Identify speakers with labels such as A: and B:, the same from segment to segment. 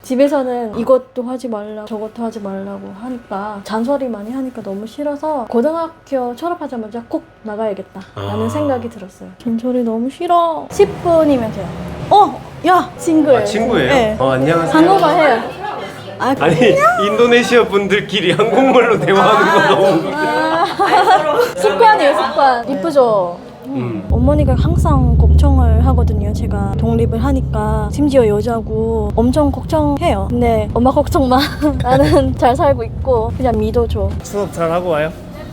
A: 집에서는 이것도 하지 말라고 저것도 하지 말라고 하니까 잔소리 많이 하니까 너무 싫어서 고등학교 졸업하자마자 꼭 나가야겠다 라는 생각이 들었어요. 잔소리 너무 싫어. 10분이면 돼요. 야! 친구예요.
B: 친구예요?
A: 네.
B: 안녕하세요.
A: 한국어 해요.
B: 아니 인도네시아 분들끼리 한국말로 대화하는 거 너무 웃겨.
A: 습관이에요, 습관. 이쁘죠? 어머니가 항상 걱정을 하거든요. 제가 독립을 하니까 심지어 여자고 엄청 걱정해요. 근데 엄마 걱정 마. 나는 잘 살고 있고 그냥 믿어줘.
B: 수업 잘 하고 와요.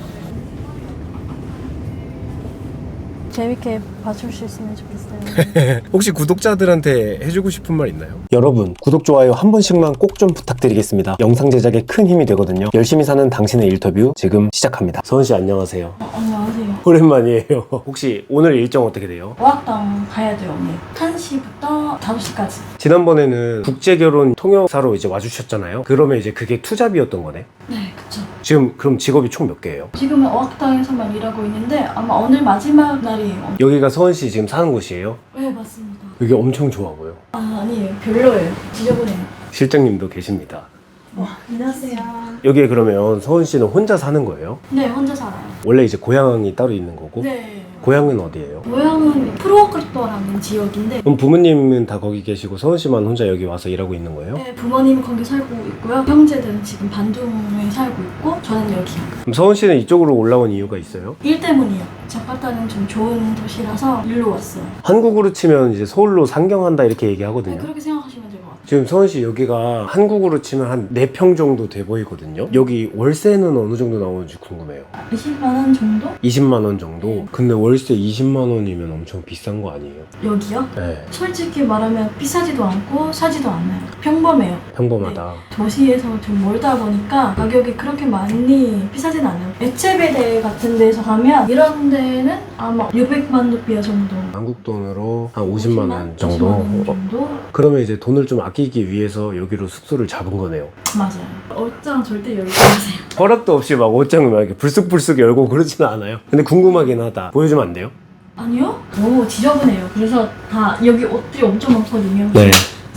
A: 재밌게 봐줄 수 있으면 좋겠어요.
B: 혹시 구독자들한테 해주고 싶은 말 있나요? 여러분 구독, 좋아요 한 번씩만 꼭 좀 부탁드리겠습니다. 영상 제작에 큰 힘이 되거든요. 열심히 사는 당신의 인터뷰 지금 시작합니다. 서은씨 안녕하세요.
A: 안녕하세요.
B: 오랜만이에요. 혹시 오늘 일정 어떻게 돼요?
A: 어학당 가야 돼요, 언니. 1시부터 5시까지.
B: 지난번에는 국제결혼 통역사로 이제 와주셨잖아요. 그러면 이제 그게 투잡이었던 거네?
A: 네, 그쵸.
B: 지금 그럼 직업이 총 몇 개예요?
A: 지금은 어학당에서만 일하고 있는데 아마 오늘 마지막 날이에요.
B: 여기가 서은씨 지금 사는 곳이에요?
A: 네, 맞습니다.
B: 여기 엄청 좋아 보여.
A: 아니에요. 별로예요. 지저분해요.
B: 실장님도 계십니다.
A: 안녕하세요.
B: 여기에 그러면 서은씨는 혼자 사는 거예요?
A: 네, 혼자 살아요.
B: 원래 이제 고향이 따로 있는 거고?
A: 네.
B: 고향은 어디예요?
A: 고향은 프로오크토라는 지역인데
B: 그럼 부모님은 다 거기 계시고 서은씨만 혼자 여기 와서 일하고 있는 거예요?
A: 네, 부모님은 거기 살고 있고요. 형제들은 지금 반둥에 살고 있고 저는 여기요.
B: 그럼 서은씨는 이쪽으로 올라온 이유가 있어요?
A: 일 때문이요. 자카르타는 좀 좋은 도시라서 일로 왔어요.
B: 한국으로 치면 이제 서울로 상경한다 이렇게
A: 네,
B: 얘기하거든요.
A: 그렇게 생각하시면 될 것 같아요.
B: 지금 서은씨 여기가 한국으로 치면 한 4평 정도 돼 보이거든요. 여기 월세는 어느 정도 나오는지 궁금해요.
A: 20만 원 정도?
B: 20만 원 정도? 근데 월세 20만 원이면 엄청 비싼 거 아니에요?
A: 여기요?
B: 네,
A: 솔직히 말하면 비싸지도 않고 싸지도 않아요. 평범해요.
B: 평범하다.
A: 도시에서 좀 멀다 보니까 가격이 그렇게 많이 비싸진 않아요. 에체베데 같은 데서 가면 이런 데는 아마 600만 루피아 정도.
B: 한국 돈으로 한 50만 원 정도?
A: 50만 원 정도?
B: 그러면 이제 돈을 좀 아끼기 위해서 여기로 숙소를 잡은 거네요.
A: 맞아요. 옷장 절대 열지 마세요.
B: 허락도 없이 막 옷장을 막 이렇게 불쑥불쑥 열고 그러지는 않아요. 근데 궁금하긴 하다. 보여주면 안 돼요?
A: 아니요? 너무 지저분해요. 그래서 다 여기 옷들이 엄청 많거든요.
B: 네.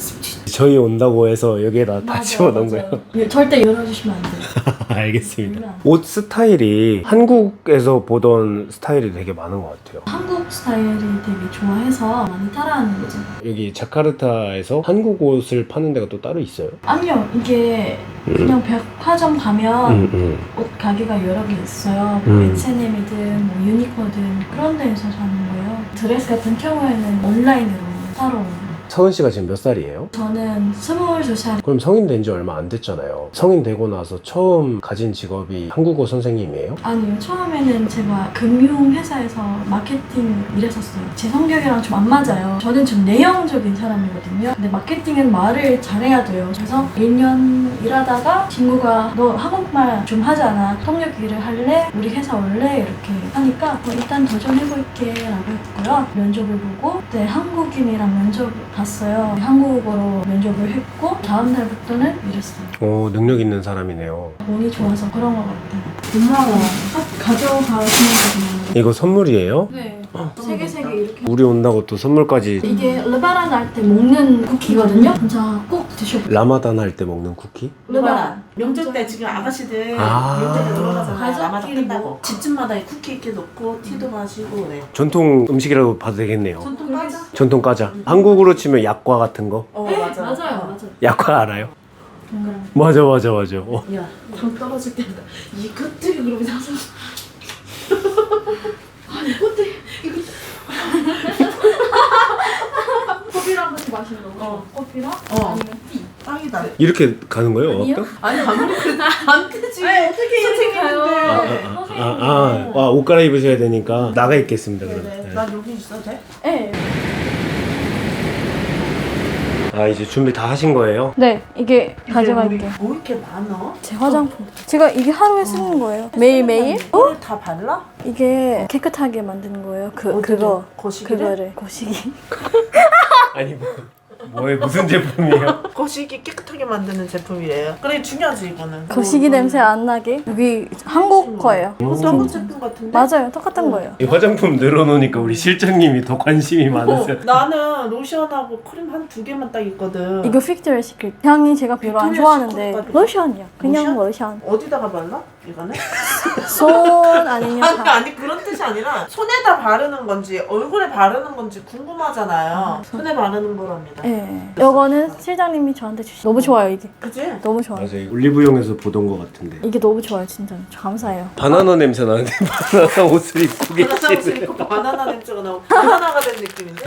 B: 저희 온다고 해서 여기에다 다 집어넣은 거예요.
A: 절대 열어주시면 안 돼요.
B: 알겠습니다. 옷 스타일이 한국에서 보던 스타일이 되게 많은 것 같아요.
A: 한국 스타일을 되게 좋아해서 많이 따라하는 거죠.
B: 여기 자카르타에서 한국 옷을 파는 데가 또 따로 있어요?
A: 아니요, 이게 그냥 백화점 가면 옷 가게가 여러 개 있어요. 뭐 H&M이든 뭐 유니코든 그런 데에서 사는 거예요. 드레스 같은 경우에는 온라인으로 사러 오는.
B: 서은 씨가 지금 몇 살이에요?
A: 저는 22살.
B: 그럼 성인 된 지 얼마 안 됐잖아요. 성인 되고 나서 처음 가진 직업이 한국어 선생님이에요?
A: 아니요, 처음에는 제가 금융회사에서 마케팅 일했었어요. 제 성격이랑 좀 안 맞아요. 저는 좀 내용적인 사람이거든요. 근데 마케팅은 말을 잘해야 돼요. 그래서 1년 일하다가 친구가 너 한국말 좀 하잖아. 통역 일을 할래? 우리 회사 올래? 이렇게 하니까 일단 도전해볼게 라고 했고요. 면접을 보고 그때 한국인이랑 면접을 봤어요. 한국어로 면접을 했고 다음 날부터는 일했어요.
B: 능력 있는 사람이네요.
A: 운이 좋아서 그런 것 같아요. 엄마가 가져가시는 거구나.
B: 이거 선물이에요?
A: 네. 세 개 이렇게.
B: 우리 온다고 또 선물까지.
A: 이게 르바란 할 때 먹는 쿠키거든요. 진짜 꼭 드셔보세요.
B: 라마단 할 때 먹는 쿠키?
C: 르바란 명절 때 지금 아가씨들
B: 아.
C: 명절에 놀러 가잖아.
A: 가족끼리
C: 라마단 끝나고
A: 뭐.
C: 집집마다 이 쿠키 이렇게 놓고 티도 마시고 그래.
B: 전통 음식이라도 봐도 되겠네요.
C: 전통 과자?
B: 전통 과자. 한국으로 치면 약과 같은 거?
C: 맞아.
A: 맞아요.
B: 약과 알아요?
A: 동그란.
B: 맞아.
C: 야, 당 떨어질 때다. 이것들이 그러면 항상 이것들이 이거
A: 커피랑 같이 마시는 거. 커피랑 아니면 티.
C: 땅이다.
B: 이렇게 가는 거예요?
A: 아니요.
B: 어학당?
C: 아니 아무리 그래도 안 되지. 어떻게
A: 선생님 가요.
B: 옷 갈아입으셔야 되니까 나가 있겠습니다. 그럼.
C: 네네.
B: 네.
C: 난 여기 있어도 돼?
A: 네.
B: 이제 준비 다 하신 거예요?
A: 네, 이게 가져갈게요.
C: 뭐 이렇게 많어?
A: 제 화장품. 제가 이게 하루에 쓰는 거예요. 매일매일?
C: 이거를 다 발라?
A: 이게 깨끗하게 만드는 거예요. 그거.
C: 거시기를?
A: 그거를. 거시기.
B: 아니 뭐 뭐에 무슨 제품이에요?
C: 거시기 깨끗하게 만드는 제품이래요. 그래 중요하지 이거는.
A: 거시기 냄새 안 나게. 여기 한국 거예요.
C: 이것도 한국 제품 같은데?
A: 맞아요. 똑같은 거예요.
B: 이 화장품 늘어놓으니까 우리 실장님이 더 관심이 많으세요.
C: 나는 로션하고 크림 한 2개만 딱 있거든.
A: 이거 픽트리아 시크릿. 향이 제가 별로 안
C: 빅토리아
A: 좋아하는데
C: 시크릿
A: 로션이야. 그냥
C: 로션?
A: 로션.
C: 어디다가 발라? 이거는?
A: 손 아니면
C: 아니
A: 다.
C: 아니 그런 뜻이 아니라 손에다 바르는 건지 얼굴에 바르는 건지 궁금하잖아요. 손에 바르는 거랍니다.
A: 네. 이거는 실장님이 저한테 주신. 너무 좋아요 이게.
C: 그치?
A: 너무 좋아요.
B: 맞아요. 올리브영에서 보던 것 같은데.
A: 이게 너무 좋아요 진짜. 저 감사해요.
B: 바나나 냄새 나는데 바나나 옷을 입고
C: 바나나 옷을
B: 계시네.
C: 입고 바나나 냄새가 나고 바나나가 된 느낌인데?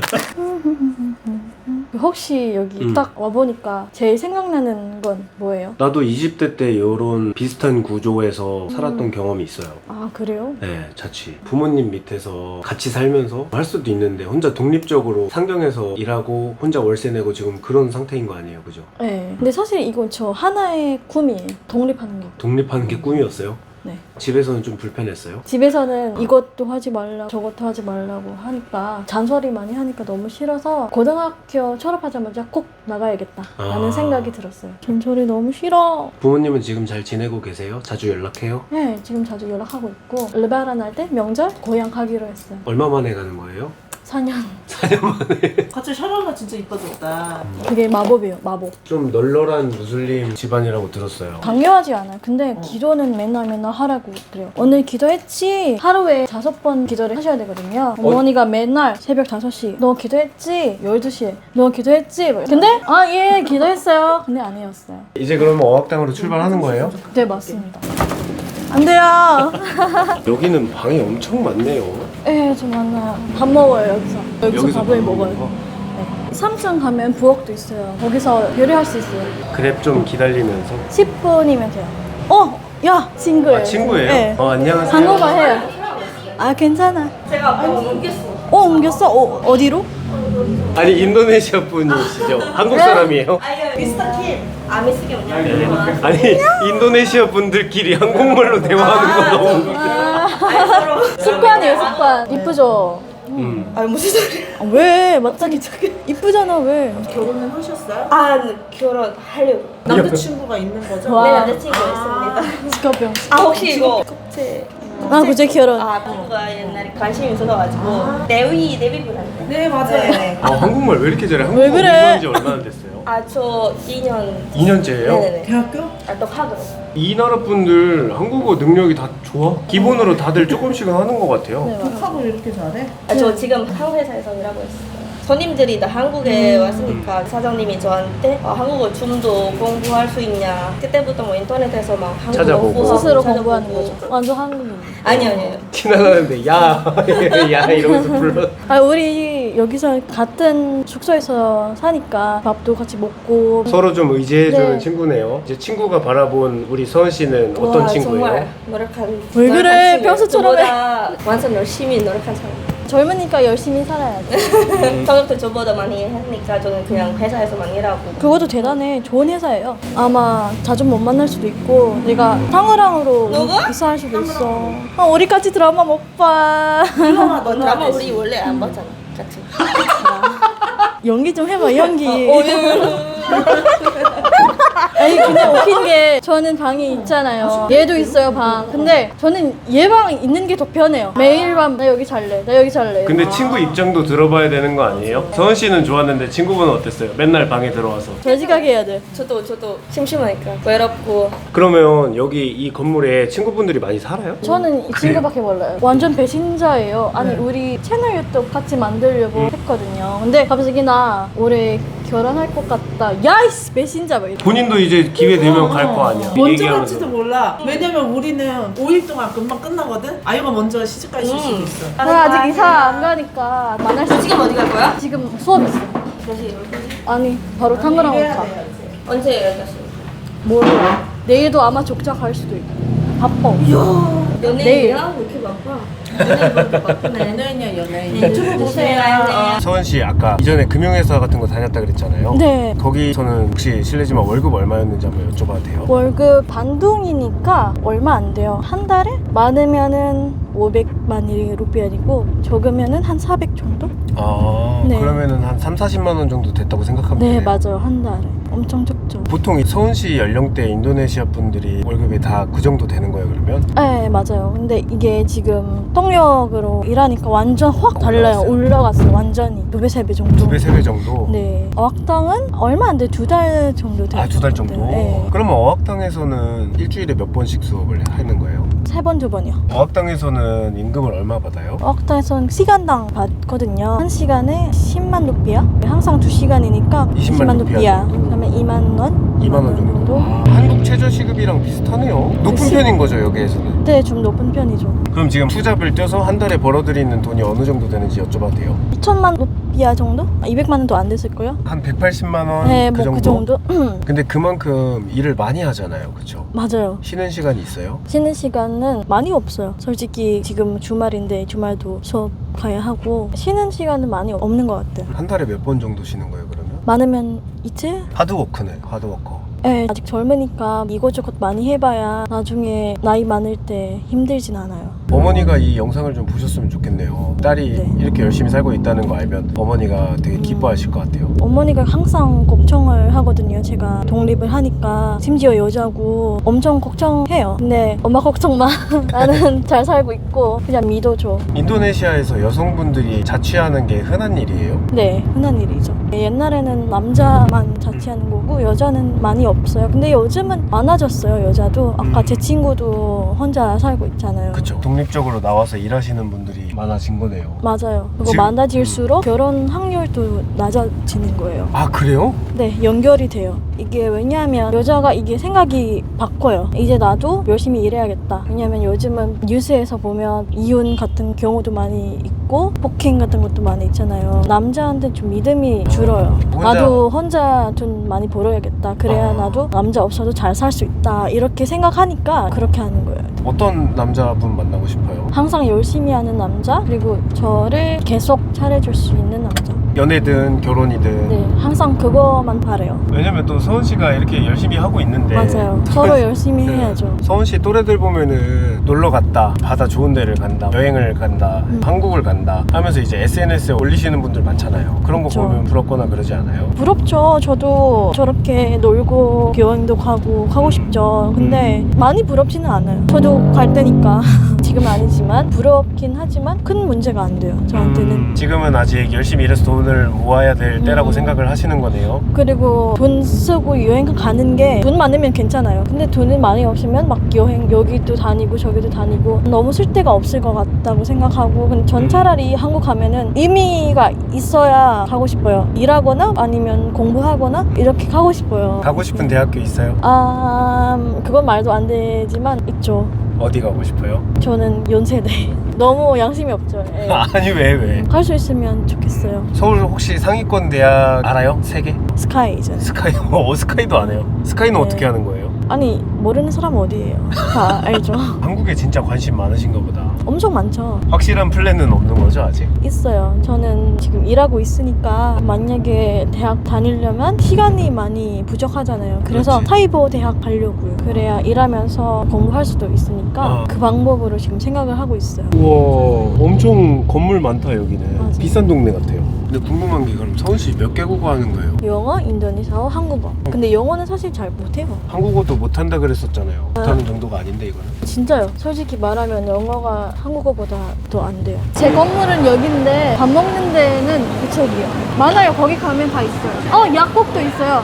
A: 혹시 여기 딱 와보니까 제일 생각나는 건 뭐예요?
B: 나도 20대 때 이런 비슷한 구조에서 살았던 경험이 있어요.
A: 아 그래요?
B: 네, 자취. 부모님 밑에서 같이 살면서 할 수도 있는데 혼자 독립적으로 상경해서 일하고 혼자 월세 내고 지금 그런 상태인 거 아니에요, 그죠?
A: 네. 근데 사실 이건 저 하나의 꿈이에요. 독립하는 게.
B: 독립하는 게 꿈이었어요?
A: 네.
B: 집에서는 좀 불편했어요?
A: 집에서는 이것도 하지 말라 저것도 하지 말라고 하니까 잔소리 많이 하니까 너무 싫어서 고등학교 졸업하자마자 꼭 나가야겠다 라는
B: 아.
A: 생각이 들었어요. 잔소리 너무 싫어.
B: 부모님은 지금 잘 지내고 계세요? 자주 연락해요?
A: 네, 지금 자주 연락하고 있고 르바란 할 때 명절 고향 가기로 했어요.
B: 얼마 만에 가는 거예요?
A: 4년.
C: 갑자기 샤랄라 진짜 이뻐졌다.
A: 그게 마법이에요. 마법.
B: 좀 널널한 무슬림 집안이라고 들었어요.
A: 강요하지 않아요. 근데 기도는 맨날 하라고 그래요. 오늘 기도했지? 하루에 5번 기도를 하셔야 되거든요. 어머니가 맨날 새벽 5시 너 기도했지? 12시에 너 기도했지? 근데 예 기도했어요. 근데 안 해였어요.
B: 이제 그러면 어학당으로 출발하는 거예요?
A: 네 맞습니다. 안 돼요.
B: 여기는 방이 엄청 많네요.
A: 예, 좀 많아요. 밥 먹어요 여기서. 여기서 밥을
B: 밥
A: 먹어요.
B: 먹어요?
A: 네. 3층 가면 부엌도 있어요. 거기서 요리할 수 있어요.
B: 그랩 좀 기다리면서.
A: 10분이면 돼요. 야 친구예요.
B: 아, 친구예요?
A: 네.
B: 안녕하세요.
A: 한국어 해요. 아 괜찮아.
C: 제가 아까 옮겼어.
A: 옮겼어? 어디로?
B: 아니 인도네시아 분이시죠? 한국 사람이에요?
C: 아니요 미스터 킴. 아 미스터 킴
B: 아니 인도네시아 분들끼리 한국말로 대화하는 거 너무
A: 습관이에요 습관. 이쁘죠?
C: 아 무슨 소리야?
A: 왜? 맞다니 이쁘잖아 왜?
C: 결혼을 하셨어요?
D: 아, 결혼하려고.
C: 남자친구가 있는 거죠?
A: 와.
D: 네, 남자친구 있습니다.
A: 직업병.
D: 아, 혹시 이거 국제.
A: 그제 결혼.
D: 아, 누가 옛날에 관심이 있어가지고 내비분한테.
C: 네 맞아요.
B: 한국말 왜 이렇게 잘해? 한국어
A: 왜 그래?
B: 공부한 지 얼마나 됐어요?
D: 아, 저 2년.
B: 2년째예요?
D: 네네네.
C: 대학교?
D: 아, 또 학으로.
B: 이 나라 분들 한국어 능력이 다 좋아? 기본으로 다들 조금씩은 하는 것 같아요.
A: 네, 맞아.
C: 독학을 이렇게 잘해?
D: 아, 저 지금 한국 회사에서 일하고 있어요. 손님들이 다 한국에 왔으니까 사장님이 저한테 한국어 좀 더 공부할 수 있냐. 그때부터 뭐 인터넷에서 막 한국어
B: 찾아보고.
D: 공부하고
A: 스스로
D: 찾아보고.
A: 공부하는 거죠. 완전 한국인.
D: 아니요.
B: 티나나는데 야 이러면서 불러.
A: 우리 여기서 같은 숙소에서 사니까 밥도 같이 먹고.
B: 서로 좀 의지해주는
A: 네.
B: 친구네요. 이제 친구가 바라본 우리 서은 씨는 어떤
D: 와,
B: 친구예요?
D: 정말 노력한.
A: 왜 그래?
D: 노력한 친구예요.
A: 평소처럼 해.
D: 저보다 완전 열심히 노력한 사람.
A: 젊으니까 열심히 살아야지.
D: 성격도 저보다 많이 하니까 저는 그냥 회사에서만 일하고.
A: 그것도 대단해. 좋은 회사예요. 아마 자주 못 만날 수도 있고 내가 탕후랑으로
D: 누구?
A: 이사할 수도 있어. 우리 같이 드라마 못 봐.
C: 드라마
D: 뭐 드라마 우리 원래 안 봤잖아. 같이.
A: 연기 좀 해봐 연기.
D: 예.
A: 아니 근데 웃긴 게 저는 방이 있잖아요. 얘도 있어요 방. 근데 저는 얘 방 있는 게 더 편해요. 매일 밤 나 여기 잘래. 나 여기 잘래.
B: 근데 친구 입장도 들어봐야 되는 거 아니에요? 서은 씨는 좋았는데 친구분은 어땠어요? 맨날 방에 들어와서.
A: 저지가게 해야 돼.
D: 저도 심심하니까 외롭고.
B: 그러면 여기 이 건물에 친구분들이 많이 살아요?
A: 저는 이 친구밖에 몰라요. 완전 배신자예요. 아니 우리 채널 유튜브 같이 만들려고 했거든요. 근데 갑자기 나 올해 결혼할 것 같다. 야이씨 배신자 막 이래.
B: 본인도 이제 기회 되면 갈 거 아니야.
C: 먼저
B: 얘기하면서.
C: 갈지도 몰라. 왜냐면 우리는 5일 동안 금방 끝나거든? 아이가 먼저 시집갈 수도 있어.
A: 나 아직 이사 안 가니까 만날 수
D: 지금 어디 갈 거야?
A: 지금 수업 있어.
D: 다시 12시?
A: 아니 바로 탕후랑
C: 해야
A: 가.
C: 돼요, 이제.
D: 언제 연락했어?
A: 몰라. 내일도 아마 족자 갈 수도 있고. 바빠.
D: 연예인이야? 왜 이렇게 바빠? 연예인 그렇게 바쁘네.
C: 연예인이야 연예인.
D: 네, 유튜브 보세요.
B: 서은 씨 아까 이전에 금융회사 같은 거 다녔다 그랬잖아요.
A: 네.
B: 거기서는 혹시 실례지만 월급 얼마였는지 한번 여쭤봐도 돼요?
A: 월급 반동이니까 얼마 안 돼요. 한 달에 많으면은 500만 루피아이고 적으면은 한 400 정도?
B: 아
A: 네.
B: 그러면은 한 3, 40만 원 정도 됐다고 생각하면
A: 네,
B: 되네요.
A: 맞아요. 한 달에. 엄청 적죠.
B: 보통 이 서은 씨 연령대 인도네시아 분들이 월급이 다 그 정도 되는 거예요 그러면?
A: 네, 맞아요. 근데 이게 지금 통역으로 일하니까 완전 확 달라요.
B: 올라갔어요?
A: 올라갔어요. 완전히. 2배, 3배 정도.
B: 2배, 3배 정도?
A: 네. 어학당은 얼마 안 돼. 2달 정도 돼요.
B: 아, 2달 정도?
A: 네.
B: 그러면 어학당에서는 일주일에 몇 번씩 수업을 하는 거예요?
A: 3번, 2번이요.
B: 어학당에서는 임금을 얼마 받아요?
A: 어학당에서는 시간당 받거든요. 한 시간에 10만 루피아. 항상 2시간이니까
B: 20만 루피아 정도?
A: 그다음에 2만 원?
B: 2만 원 정도? 아, 한국 최저시급이랑 비슷하네요. 높은
A: 그치?
B: 편인 거죠 여기에서는?
A: 네, 좀 높은 편이죠.
B: 그럼 지금 투잡을 뛰어서 한 달에 벌어들이는 돈이 어느 정도 되는지 여쭤봐도 돼요?
A: 2천만 루피아 정도? 200만 원도 안 됐을걸요?
B: 한 180만 원?
A: 네,
B: 그
A: 뭐
B: 정도?
A: 그 정도?
B: 근데 그만큼 일을 많이 하잖아요 그쵸?
A: 맞아요.
B: 쉬는 시간이 있어요?
A: 쉬는 시간은 많이 없어요. 솔직히 지금 주말인데 주말도 수업 가야 하고 쉬는 시간은 많이 없는 것 같아요.
B: 한 달에 몇 번 정도 쉬는 거예요 그러면?
A: 많으면 이틀?
B: 하드워크네 하드워커.
A: 네, 아직 젊으니까 이것저것 많이 해봐야 나중에 나이 많을 때 힘들진 않아요.
B: 어머니가 이 영상을 좀 보셨으면 좋겠네요. 딸이
A: 네.
B: 이렇게 열심히 살고 있다는 거 알면 어머니가 되게 기뻐하실 것 같아요.
A: 어머니가 항상 걱정을 하거든요. 제가 독립을 하니까 심지어 여자고 엄청 걱정해요. 근데 엄마 걱정 마. 나는 잘 살고 있고 그냥 믿어줘.
B: 인도네시아에서 여성분들이 자취하는 게 흔한 일이에요?
A: 네, 흔한 일이죠. 옛날에는 남자만 자취하는 거고 여자는 많이 없어요. 근데 요즘은 많아졌어요. 여자도. 아까 제 친구도 혼자 살고 있잖아요.
B: 그쵸. 독립적으로 나와서 일하시는 분들이 많아진 거네요.
A: 맞아요. 그리고
B: 지금-
A: 많아질수록 결혼 확률도 낮아지는 거예요.
B: 아 그래요?
A: 네, 연결이 돼요. 이게 왜냐하면 여자가 이게 생각이 바꿔요. 이제 나도 열심히 일해야겠다. 왜냐하면 요즘은 뉴스에서 보면 이혼 같은 경우도 많이 있고 폭행 같은 것도 많이 있잖아요. 남자한테 좀 믿음이 줄어요. 나도 혼자 돈 많이 벌어야겠다. 그래야 나도 남자 없어도 잘 살 수 있다. 이렇게 생각하니까 그렇게 하는 거예요.
B: 어떤 남자분 만나고 싶어요?
A: 항상 열심히 하는 남자, 그리고 저를 계속 잘해줄 수 있는 남자.
B: 연애든 결혼이든.
A: 네, 항상 그거만 바래요.
B: 왜냐면 또 서은 씨가 이렇게 열심히 하고 있는데.
A: 맞아요. 서로 열심히 해야죠.
B: 서은 씨 또래들 보면은 놀러 갔다, 바다 좋은 데를 간다, 여행을 간다, 한국을 간다 하면서 이제 SNS에 올리시는 분들 많잖아요. 그런 거
A: 그쵸.
B: 보면 부럽거나 그러지 않아요?
A: 부럽죠. 저도 저렇게 놀고 여행도 가고 싶죠. 근데 많이 부럽지는 않아요. 저도 갈 때니까. 지금은 아니지만 부럽긴 하지만 큰 문제가 안 돼요. 저한테는.
B: 지금은 아직 열심히 일해서 돈을 모아야 될 때라고 생각을 하시는 거네요.
A: 그리고 돈 쓰고 여행 가는 게 돈 많으면 괜찮아요. 근데 돈이 많이 없으면 막 여행 여기도 다니고 저기도 다니고 너무 쓸 데가 없을 것 같다고 생각하고 근데 전 차라리 한국 가면은 의미가 있어야 가고 싶어요. 일하거나 아니면 공부하거나 이렇게 가고 싶어요.
B: 가고 싶은 대학교 있어요?
A: 그건 말도 안 되지만 있죠.
B: 어디 가고 싶어요?
A: 저는 연세대. 너무 양심이 없죠. 예.
B: 아니 왜?
A: 갈 수 있으면 좋겠어요.
B: 서울 혹시 상위권 대학 알아요? 3개?
A: 스카이잖아요.
B: 스카이? 스카이도 안 해요. 스카이는
A: 네.
B: 어떻게 하는 거예요?
A: 아니 모르는 사람 어디예요? 다 알죠.
B: 한국에 진짜 관심 많으신가 보다.
A: 엄청 많죠.
B: 확실한 플랜은 없는 거죠 아직?
A: 있어요. 저는 지금 일하고 있으니까 만약에 대학 다니려면 시간이 많이 부족하잖아요. 그래서
B: 그렇지.
A: 사이버 대학 가려고요. 그래야 일하면서 공부할 수도 있으니까 그 방법으로 지금 생각을 하고 있어요.
B: 우와 엄청 건물 많다 여기는.
A: 맞아.
B: 비싼 동네 같아요. 근데 궁금한 게 그럼 서은 씨 몇 개국어 하는 거예요?
A: 영어, 인도네시아어, 한국어. 근데 영어는 사실 잘 못해요.
B: 한국어도 못한다 그랬었잖아요. 못하는 정도가 아닌데 이거는?
A: 진짜요. 솔직히 말하면 영어가 한국어보다 더 안 돼요. 제 건물은 여기인데 밥 먹는 데는 그쪽이요. 많아요. 거기 가면 다 있어요. 약국도 있어요.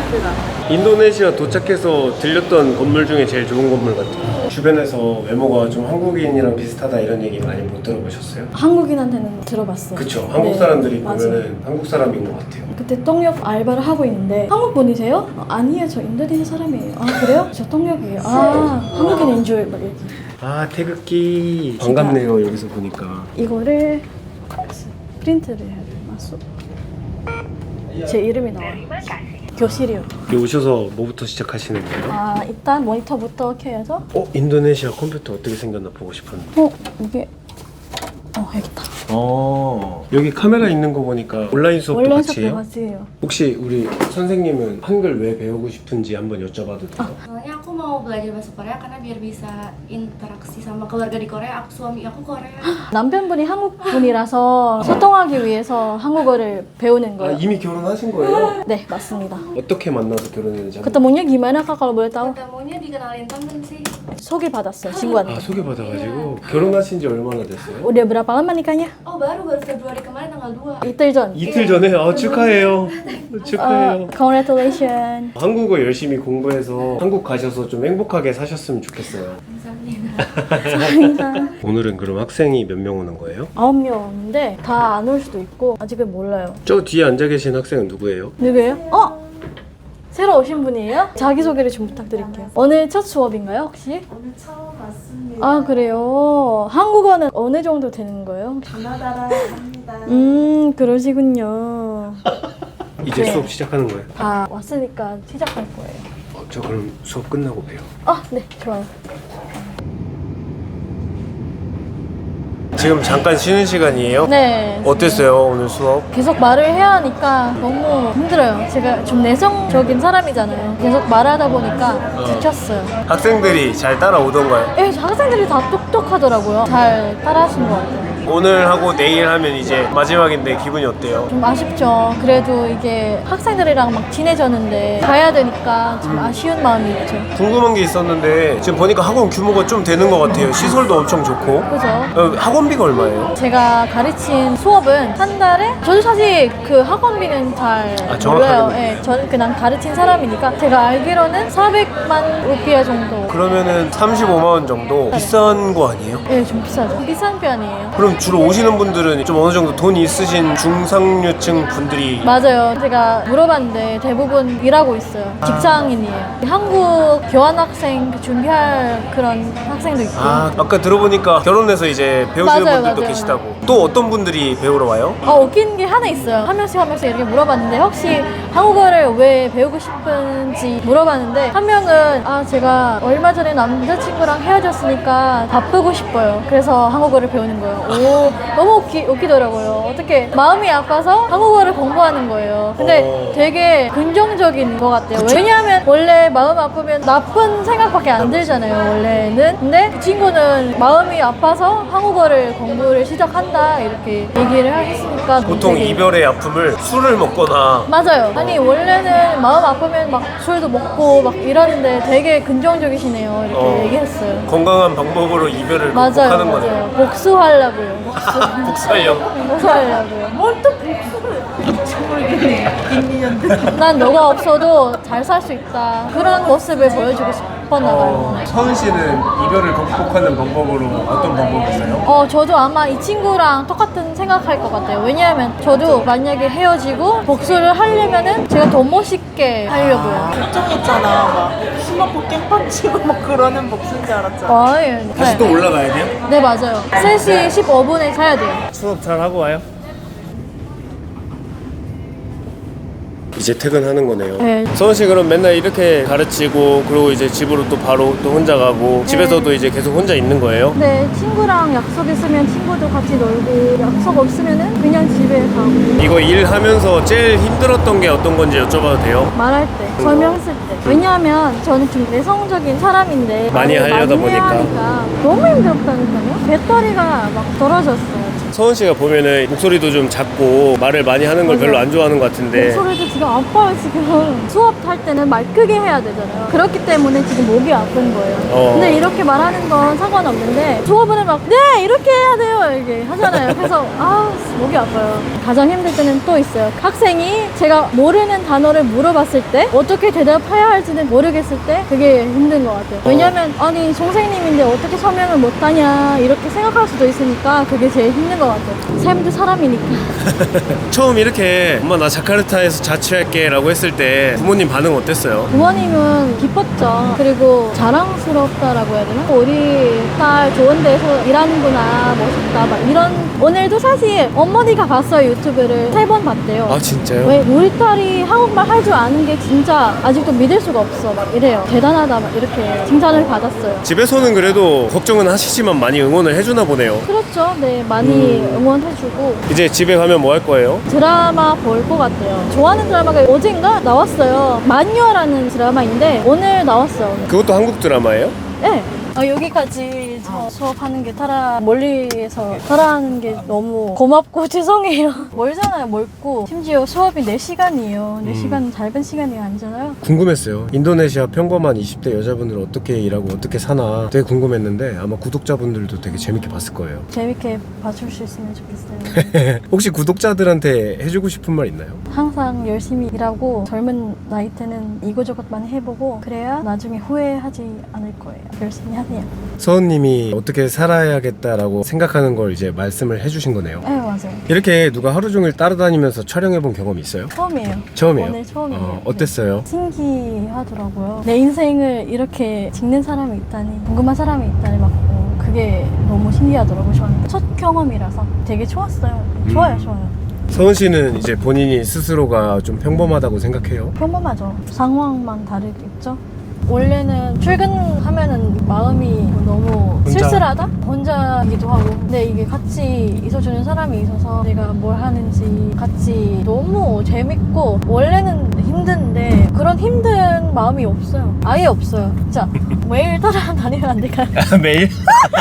B: 인도네시아 도착해서 들렸던 건물 중에 제일 좋은 건물 같아요. 주변에서 외모가 좀 한국인이랑 비슷하다 이런 얘기 많이 못 들어보셨어요?
A: 한국인한테는 들어봤어요.
B: 그쵸. 한국
A: 네,
B: 사람들이
A: 맞아요.
B: 보면은 한국 사람인 것 같아요.
A: 그때 통역 알바를 하고 있는데 한국 분이세요? 아니에요. 저 인도네시아 사람이에요. 그래요? 저 통역이에요. 한국인인 줄 막 이렇게.
B: 태극기 반갑네요 여기서 보니까.
A: 이거를 프린트를 해야 돼요. 맞소? 제 이름이 나와요. 교실이요.
B: 여기 오셔서 뭐부터 시작하시는 거예요?
A: 아, 일단 모니터부터 켜야죠.
B: 인도네시아 컴퓨터 어떻게 생겼나 보고 싶었는데.
A: 이게 여기다.
B: 여기 카메라 있는 거 보니까 온라인 수업도
A: 원래
B: 같이 해요?
A: 같이 해요.
B: 혹시 우리 선생님은 한글 왜 배우고 싶은지 한번 여쭤봐도 돼요?
E: Soalnya aku mau belajar bahasa Korea karena biar bisa interaksi sama keluarga di Korea. 수ami aku Korea.
A: 남편분이 한국 분이라서 소통하기 위해서 한국어를 배우는
B: 아,
A: 거예요.
B: 이미 결혼하신 거예요?
A: 네, 맞습니다.
B: 어떻게 만나서 결혼했는지 한번.
A: ketemunya gimana Kak kalau boleh tahu?
E: Ketemunya dikenalin temen sih.
A: 소개받았어요, 친구한테.
B: 아, 소개받아가지고 결혼하신 지 얼마나 됐어요?
A: udah berapa lama nikahnya?
E: Oh baru Februari kemarin tanggal 2.
A: 이틀 전.
B: 이틀 전에? 축하해요. 축하해요.
A: Congratulations.
B: 한국어 열심히 공부해서 한국 가셔서 좀 행복하게 사셨으면 좋겠어요.
A: 감사합니다.
B: 오늘은 그럼 학생이 몇 명 오는 거예요?
A: 9명인데 다 안 올 수도 있고 아직은 몰라요.
B: 저 뒤에 앉아 계신 학생은 누구예요?
A: 누구예요? 새로 오신 분이에요? 자기소개를 좀 부탁드릴게요. 오늘 첫 수업인가요, 혹시?
C: 오늘 처음 왔습니다.
A: 아, 그래요? 한국어는 어느 정도 되는 거예요?
C: 가나다라 합니다.
A: 그러시군요.
B: 이제
A: 네.
B: 수업 시작하는 거예요?
A: 다 왔으니까 시작할 거예요.
B: 저 그럼 수업 끝나고 봬요.
A: 네, 좋아요.
B: 지금 잠깐 쉬는 시간이에요?
A: 네.
B: 어땠어요 오늘 수업?
A: 계속 말을 해야 하니까 너무 힘들어요. 제가 좀 내성적인 사람이잖아요. 계속 말하다 보니까 지쳤어요.
B: 학생들이 잘 따라오던가요?
A: 학생들이 다 똑똑하더라고요. 잘 따라하신 것 같아요.
B: 오늘 하고 내일 하면 이제 마지막인데 기분이 어때요?
A: 좀 아쉽죠. 그래도 이게 학생들이랑 막 친해졌는데 가야 되니까 좀 아쉬운 마음이 있죠.
B: 궁금한 게 있었는데 지금 보니까 학원 규모가 좀 되는 것 같아요. 시설도 엄청 좋고.
A: 그죠?
B: 학원비가 얼마예요?
A: 제가 가르친 수업은 한 달에 저도 사실 그 학원비는 잘
B: 정확하게는
A: 몰라요.
B: 몰라요.
A: 네, 저는 그냥 가르친 사람이니까 제가 알기로는 400만 루피아 정도.
B: 그러면은 35만 원 정도 비싼 거 아니에요?
A: 네, 좀 비싸죠. 비싼 편이에요.
B: 그럼 주로 오시는 분들은 좀 어느 정도 돈 있으신 중상류층 분들이
A: 맞아요. 제가 물어봤는데 대부분 일하고 있어요. 직장인이에요. 한국 교환학생 준비할 그런 학생도 있고.
B: 아까 들어보니까 결혼해서 이제 배우시는
A: 맞아요,
B: 분들도
A: 맞아요.
B: 계시다고. 또 어떤 분들이 배우러 와요?
A: 웃긴 게 하나 있어요. 하면서 이렇게 물어봤는데 혹시 한국어를 왜 배우고 싶은지 물어봤는데 한 명은 제가 얼마 전에 남자친구랑 헤어졌으니까 바쁘고 싶어요. 그래서 한국어를 배우는 거예요. 너무 웃기더라고요. 어떻게 마음이 아파서 한국어를 공부하는 거예요. 근데 되게 긍정적인 것 같아요. 왜냐하면 원래 마음 아프면 나쁜 생각밖에 안 들잖아요, 원래는. 근데 그 친구는 마음이 아파서 한국어를 공부를 시작한다 이렇게 얘기를 하셨으니까
B: 보통
A: 되게
B: 이별의 아픔을 술을 먹거나
A: 맞아요. 아니 원래는 마음 아프면 막 술도 먹고 막 이러는데 되게 긍정적이시네요. 이렇게 얘기했어요.
B: 건강한 방법으로 이별을
A: 맞아요,
B: 극복하는 거네요.
A: 맞아요. 복수하려고요.
B: 복수하려고.
A: 복수하려고요.
C: 뭘또 복수를
A: 난 너가 없어도 잘 살 수 있다. 그런 모습을 보여주고 싶었나 봐요.
B: 서은 씨는 이별을 극복하는 방법으로 어떤 방법이 있어요?
A: 저도 아마 이 친구랑 똑같은 생각할 것 같아요. 왜냐하면 저도 만약에 헤어지고 복수를 하려면은 제가 더 멋있게 하려고요.
C: 걱정했잖아. 막 스마트 깽판 치고 막 그러는 복수인 줄 알았잖아.
B: 다시 또 올라가야 돼요?
A: 네, 맞아요. 3시 15분에 가야 돼요.
B: 수업 잘 하고 와요? 이제 퇴근하는 거네요.
A: 네.
B: 서은 씨 그럼 맨날 이렇게 가르치고 그리고 이제 집으로 또 바로 또 혼자 가고 집에서도 이제 계속 혼자 있는 거예요?
A: 네, 친구랑 약속 있으면 친구도 같이 놀고 약속 없으면은 그냥 집에 가고
B: 이거 일하면서 제일 힘들었던 게 어떤 건지 여쭤봐도 돼요?
A: 말할 때, 설명했을 때. 왜냐하면 저는 좀 내성적인 사람인데
B: 많이
A: 말을
B: 하려다
A: 많이 해야
B: 보니까.
A: 하니까 너무 힘들었다니까요. 배터리가 막 떨어졌어요.
B: 서은 씨가 보면은 목소리도 좀 작고 말을 많이 하는 걸
A: 맞아요.
B: 별로 안 좋아하는 것 같은데
A: 목소리도 지금 아파요. 지금 수업할 때는 말 크게 해야 되잖아요. 그렇기 때문에 지금 목이 아픈 거예요. 근데 이렇게 말하는 건 상관없는데 수업은 막 네 이렇게 해야 돼요 이렇게 하잖아요. 그래서 목이 아파요. 가장 힘들 때는 또 있어요. 학생이 제가 모르는 단어를 물어봤을 때 어떻게 대답해야 할지는 모르겠을 때 그게 힘든 것 같아요. 왜냐면 아니 선생님인데 어떻게 설명을 못하냐 이렇게 생각할 수도 있으니까 그게 제일 힘든 것 같아요. 삶도 사람이니까.
B: 처음 이렇게 엄마 나 자카르타에서 자취할게 라고 했을 때 부모님 반응 어땠어요?
A: 부모님은 기뻤죠. 그리고 자랑스럽다라고 해야 되나? 우리 딸 좋은 데서 일하는구나, 멋있다, 막 이런. 오늘도 사실 어머니가 봤어요. 유튜브를 3번 봤대요.
B: 아 진짜요?
A: 왜 우리 딸이 한국말 할 줄 아는 게 진짜 아직도 믿을 수가 없어, 막 이래요. 대단하다, 막 이렇게 칭찬을 받았어요.
B: 집에서는 그래도 걱정은 하시지만 많이 응원을 해주나 보네요.
A: 그렇죠. 네, 많이 응원해주고.
B: 이제 집에 가면 뭐 할 거예요?
A: 드라마 볼 것 같아요. 좋아하는 드라마가 어젠가 나왔어요. 마녀라는 드라마인데 오늘 나왔어요. 오늘.
B: 그것도 한국 드라마예요?
A: 네. 여기까지 저 수업하는 게 타라, 멀리에서 타라하는 게 너무 고맙고 죄송해요. 멀잖아요, 멀고. 심지어 수업이 4시간이에요. 4시간 짧은 시간이 아니잖아요.
B: 궁금했어요. 인도네시아 평범한 20대 여자분들 어떻게 일하고 어떻게 사나 되게 궁금했는데 아마 구독자분들도 되게 재밌게 봤을 거예요.
A: 재밌게 봐줄 수 있으면 좋겠어요.
B: 혹시 구독자들한테 해주고 싶은 말 있나요?
A: 항상 열심히 일하고 젊은 나이 때는 이거저것 많이 해보고 그래야 나중에 후회하지 않을 거예요. 열심히 하세요.
B: 서은님이 어떻게 살아야겠다라고 생각하는 걸 이제 말씀을 해주신 거네요.
A: 네, 맞아요.
B: 이렇게 누가 하루 종일 따라다니면서 촬영해본 경험이 있어요?
A: 처음이에요.
B: 처음이에요?
A: 오늘 처음이에요.
B: 어땠어요?
A: 신기하더라고요. 내 인생을 이렇게 찍는 사람이 있다니, 궁금한 사람이 있다니 막 그게 너무 신기하더라고요. 저한테 첫 경험이라서 되게 좋았어요. 좋아요, 좋아요.
B: 서은 씨는 이제 본인이 스스로가 좀 평범하다고 생각해요?
A: 평범하죠. 상황만 다르겠죠. 원래는 출근하면은 마음이 너무
B: 혼자?
A: 쓸쓸하다? 혼자이기도 하고. 근데 이게 같이 있어주는 사람이 있어서 내가 뭘 하는지 같이 너무 재밌고, 원래는 힘든데 그런 힘든 마음이 없어요. 아예 없어요. 진짜 매일 따라다니면 안 될까요?
B: 매일?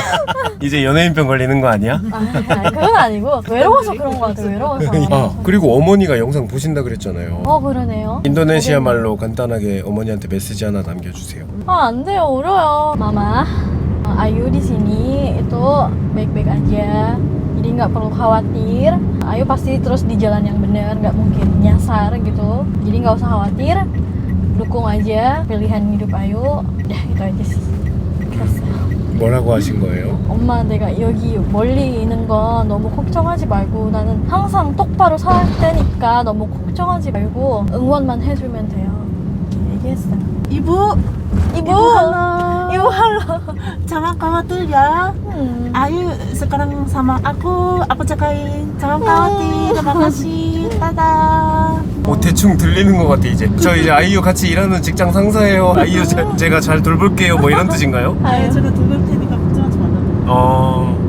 B: 이제 연예인병 걸리는 거 아니야?
A: 아니, 그건 아니고 외로워서 그런 것 같아요. 외로워서.
B: 아 그리고 어머니가 영상 보신다 그랬잖아요.
A: 그러네요.
B: 인도네시아 말로 간단하게 어머니한테 메시지 하나 남겨주세요.
A: 안 돼요. 울어요. Mama, Ayu di sini itu baik-baik aja. Jadi nggak perlu khawatir. Ayu pasti terus di jalan yang benar, nggak mungkin nyasar gitu. Jadi nggak usah khawatir. Dukung aja pilihan hidup Ayu. Udah gitu aja sih. Terus,
B: 뭐라고 하신 거예요?
A: 엄마, 내가 여기 멀리 있는 건 너무 걱정하지 말고 나는 항상 똑바로 살 테니까 너무 걱정하지 말고 응원만 해주면 돼요. 이렇게 얘기했어요.
C: 이부 halo.
A: 이모 할로.
C: Jangan khawatir ya. Ayu sekarang sama aku jagain. Jangan khawatir. Terima kasih. Dadah.
B: 대충 들리는 것 같아 이제. 저 이제 아이유 같이 일하는 직장 상사예요. 아이유 제가 잘 돌볼게요. 뭐 이런 뜻인가요?
C: 아유, 제가 돌볼 테니까 걱정하지 말라고.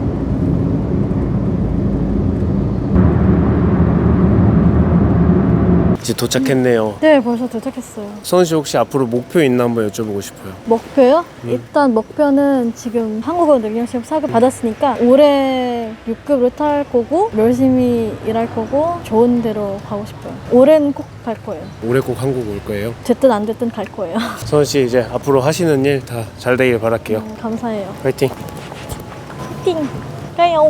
B: 이제 도착했네요.
A: 네, 벌써 도착했어요.
B: 서은 씨 혹시 앞으로 목표 있나 한번 여쭤보고 싶어요.
A: 목표요? 일단 목표는 지금 한국어 능력 시험 4급 받았으니까 올해 6급으로 탈 거고 열심히 일할 거고 좋은 데로 가고 싶어요. 올해는 꼭 갈 거예요.
B: 올해 꼭 한국 올 거예요.
A: 됐든 안 됐든 갈 거예요.
B: 서은 씨 이제 앞으로 하시는 일 다 잘 되길 바랄게요.
A: 감사해요.
B: 파이팅.
A: 띵! 가요!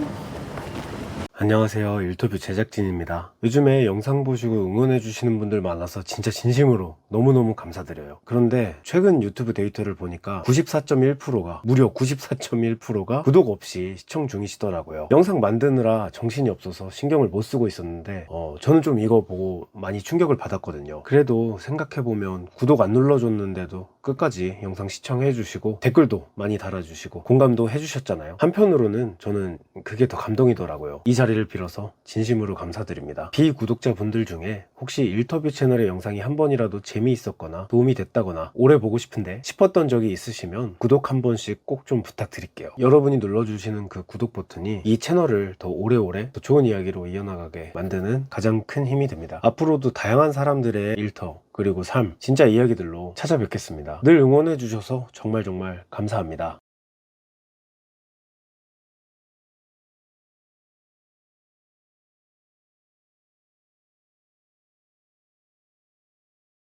B: 안녕하세요. 일터뷰 제작진입니다. 요즘에 영상 보시고 응원해주시는 분들 많아서 진짜 진심으로 너무너무 감사드려요. 그런데 최근 유튜브 데이터를 보니까 94.1%가 무려 94.1%가 구독 없이 시청 중이시더라고요. 영상 만드느라 정신이 없어서 신경을 못 쓰고 있었는데 저는 좀 이거 보고 많이 충격을 받았거든요. 그래도 생각해보면 구독 안 눌러줬는데도 끝까지 영상 시청해주시고 댓글도 많이 달아주시고 공감도 해주셨잖아요. 한편으로는 저는 그게 더 감동이더라고요. 이 자리를 빌어서 진심으로 감사드립니다. 비구독자분들 중에 혹시 일터뷰 채널의 영상이 한 번이라도 재미있었거나 도움이 됐다거나 오래 보고 싶은데 싶었던 적이 있으시면 구독 한 번씩 꼭 좀 부탁드릴게요. 여러분이 눌러주시는 그 구독 버튼이 이 채널을 더 오래오래 더 좋은 이야기로 이어나가게 만드는 가장 큰 힘이 됩니다. 앞으로도 다양한 사람들의 일터 그리고 삶 진짜 이야기들로 찾아뵙겠습니다. 늘 응원해주셔서 정말 감사합니다.